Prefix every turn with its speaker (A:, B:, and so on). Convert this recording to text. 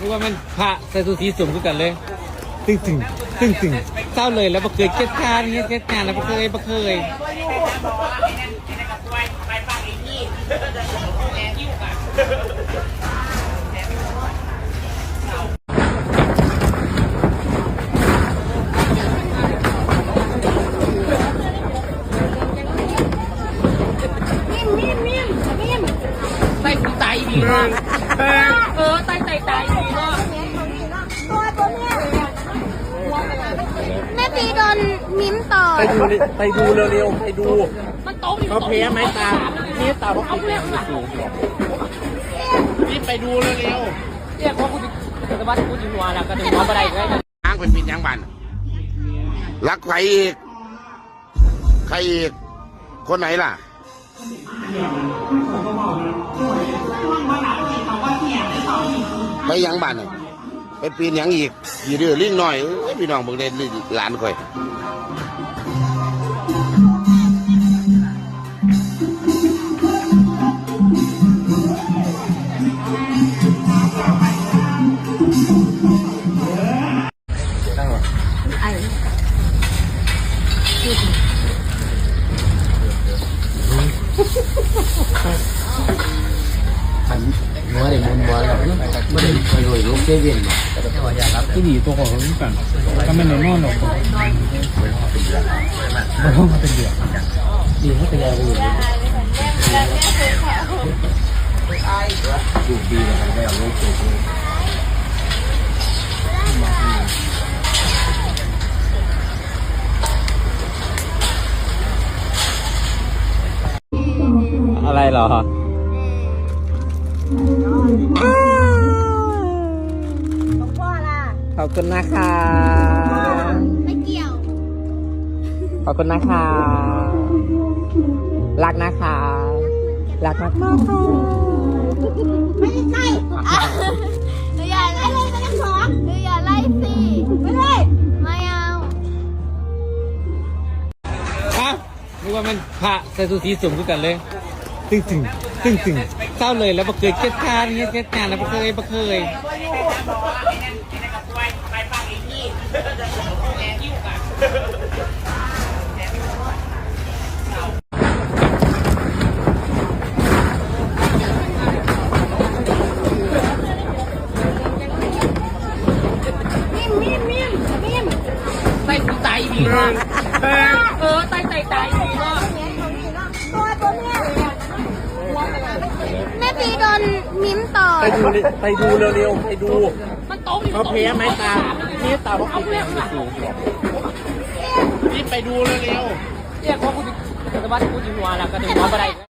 A: นึกว่ามันพระใส่สูทสีสุ่มกันเลยตึงตึงตึงตึงเศร้าเลยแล้วบ่เคยเช็ดทานเงี้ยเช็ดงานแล้วบ่เคย
B: ไต่ไต่ดีมากไต่ดีมาก
C: แม่ปีโดนมิ้มต่อ
D: ไปดูเร็วๆไปดู
B: มันโต๊ะอยู่
D: เขาเพี้ยไหมตานี่ตาเขาปิดเลยรีบไปดูเร็ว
B: ๆเนี่ยพอกูจะวัดกูจะหัวแล้วก็ถึงหัวอะไรได้
D: ๆทางเป็นปิดยังบันรักใครอีกใครอีกคนไหนล่ะไปยังบันไปปีนยังอีกยีเดือลิ้นหน่อยพี่น้องบอกได้หลานค่อย
A: หัวเด็กมันหัวแบบไม่ได้ไปรวยลูกเจเวียนที่ดีตัวของเขาเหมือนกันก็ไม่ในนอนหรอกมันต้องมาเป็นเดือดดีให้เป็นอะไรอยู่ดูดีนะครับไม่เอาลูกตัวอะไรเหรอขอบคุณนะคะ
C: ไม่เกี่ยว
A: ขอบคุณนะคะรักนะคะรักมาก
C: ไม่ใช่หนูอย่าไล่เลยนะสองหนูอย่าไล่สิไม่ได้ไม่เอา
A: นึกว่ามันพระใส่สูทสีสุ่มกันเลยตึงตึงตึงตึงเศร้าเลยแล้วบ่เคยเช็ดทานเงี้ยเช็ดงานแล้วบ่เคย
B: ไต่ดีมากไต่ดีมาก
C: แม่ปีโดนมิ้มต่อ
D: ไปดูเร็วๆไปดู
B: มันโต๊ะอยู่
D: เขาเพี้ยไหมตานี่ตาเขาปิดเลยรีบไปดูเร็ว
B: ๆเนี่ยพอกูจะวัดกูจะหัวแล้วก็ถึงหัวอะไร